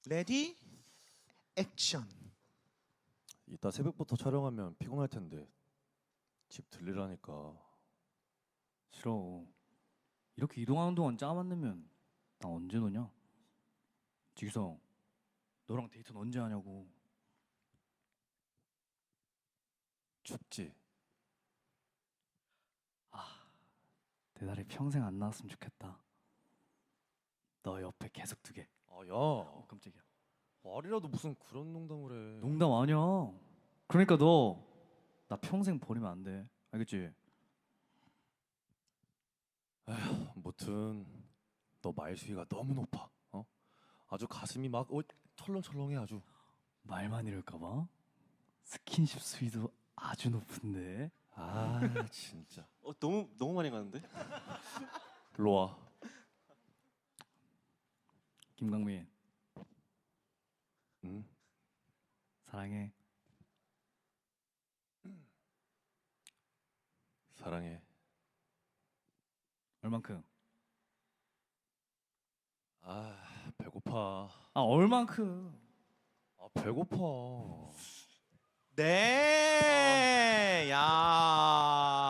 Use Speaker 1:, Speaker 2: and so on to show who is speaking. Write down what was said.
Speaker 1: 레디 액션.
Speaker 2: 이따 새벽부터 촬영하면 피곤할 텐데 집 들리라니까.
Speaker 3: 싫어. 이렇게 이동하는 동안 짜 만들면 나 언제 노냐? 지기성, 너랑 데이트는 언제 하냐고.
Speaker 2: 춥지?
Speaker 3: 내 다리 평생 안 나왔으면 좋겠다. 너 옆에 계속 두게.
Speaker 2: 야,
Speaker 3: 깜짝이야.
Speaker 2: 말이라도 무슨 그런 농담을 해.
Speaker 3: 농담 아니야. 그러니까 너 나 평생 버리면 안 돼. 알겠지?
Speaker 2: 무튼 너 말수위가 너무 높아. 아주 가슴이 막 철렁철렁해 아주.
Speaker 3: 말만 이럴까 봐. 스킨십 수위도 아주 높은데.
Speaker 2: 아 진짜.
Speaker 1: 너무 많이 가는데?
Speaker 2: 일로 와.
Speaker 3: 김강민,
Speaker 2: 응?
Speaker 3: 사랑해.
Speaker 2: 사랑해.
Speaker 3: 얼만큼?
Speaker 2: 아 배고파.
Speaker 3: 얼만큼?
Speaker 2: 배고파.
Speaker 1: 네. 야.